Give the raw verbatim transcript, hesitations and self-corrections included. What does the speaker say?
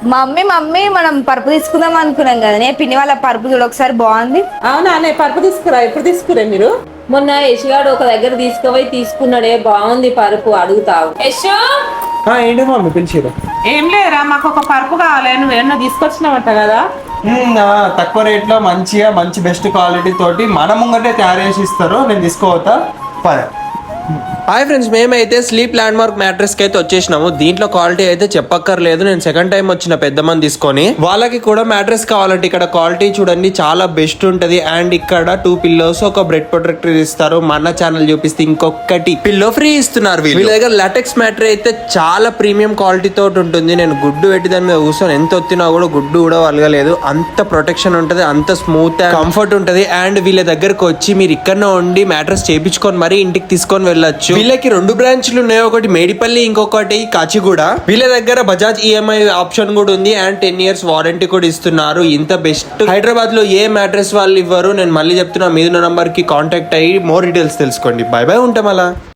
Mummy mummy మనం పరుపు తీసుకుందాం అనుకున్నాం కదా నే పిన్ని వాళ్ళ పరుపు చూడ ఒకసారి బాగుంది. అవునా నే పరుపు తీసుకురా. ఎప్పుడు తీసుకురా మీరు? మొన్న యశుగాడు ఒక దగ్గర తీసుకుపోయి తీసుకున్నాడే, బాగుంది పరుపు. అడుగుతావు యశు? ఏంటి మమ్మీ పిలిచిరు? ఏం లేరా, మాకు ఒక పరుపు కావాలి. నువ్వు ఏమన్నా తీసుకొచ్చినావంట కదా. తక్కువ రేట్ లో మంచిగా మంచి బెస్ట్ క్వాలిటీ తోటి మన ముంగటే తయారు చేసి ఇస్తారు. నేను తీసుకోవతా పద. హాయ్ ఫ్రెండ్స్, మేమైతే స్లీప్ ల్యాండ్ మార్క్ మ్యాట్రెస్ కి అయితే వచ్చేసినాము. దీంట్లో క్వాలిటీ అయితే చెప్పక్కర్లేదు. నేను సెకండ్ టైం వచ్చిన పెద్ద మంది తీసుకొని వాళ్ళకి కూడా మ్యాట్రెస్ కావాలంటే ఇక్కడ క్వాలిటీ చూడండి చాలా బెస్ట్ ఉంటది. అండ్ ఇక్కడ టూ పిల్లోస్ ఒక బ్రెడ్ ప్రొటెక్టర్ ఇస్తారు. మన ఛానల్ చూపిస్తే ఇంకొకటి పిల్లో ఫ్రీ ఇస్తున్నారు. వీళ్ళ దగ్గర లాటెక్స్ మ్యాట్రెస్ అయితే చాలా ప్రీమియం క్వాలిటీ తోటి ఉంటుంది. నేను గుడ్డు పెట్టి దాని మీద కూర్చొని ఎంత వచ్చినా కూడా గుడ్డు కూడా వలగలేదు. అంత ప్రొటెక్షన్ ఉంటది, అంత స్మూత్ కంఫర్ట్ ఉంటది. అండ్ వీళ్ళ దగ్గరకు వచ్చి మీరు ఇక్కడనే ఉండి మ్యాట్రెస్ చేయించుకొని మరీ ఇంటికి తీసుకొని వెళ్ళొచ్చు. వీళ్ళకి రెండు బ్రాంచ్లు ఉన్నాయి, ఒకటి మేడిపల్లి, ఇంకొకటి కాచిగూడ. వీళ్ళ దగ్గర బజాజ్ ఈఎంఐ ఆప్షన్ కూడా ఉంది. అండ్ టెన్ ఇయర్స్ వారంటీ కూడా ఇస్తున్నారు. ఇంత బెస్ట్ హైదరాబాద్ లో ఏ మ్యాట్రెస్ వాళ్ళు ఇవ్వరు. నేను మళ్ళీ చెప్తున్నా, మీద నంబర్ కి కాంటాక్ట్ అయ్యి మోర్ డీటెయిల్స్ తెలుసుకోండి. బై బై, ఉంటాం అలా.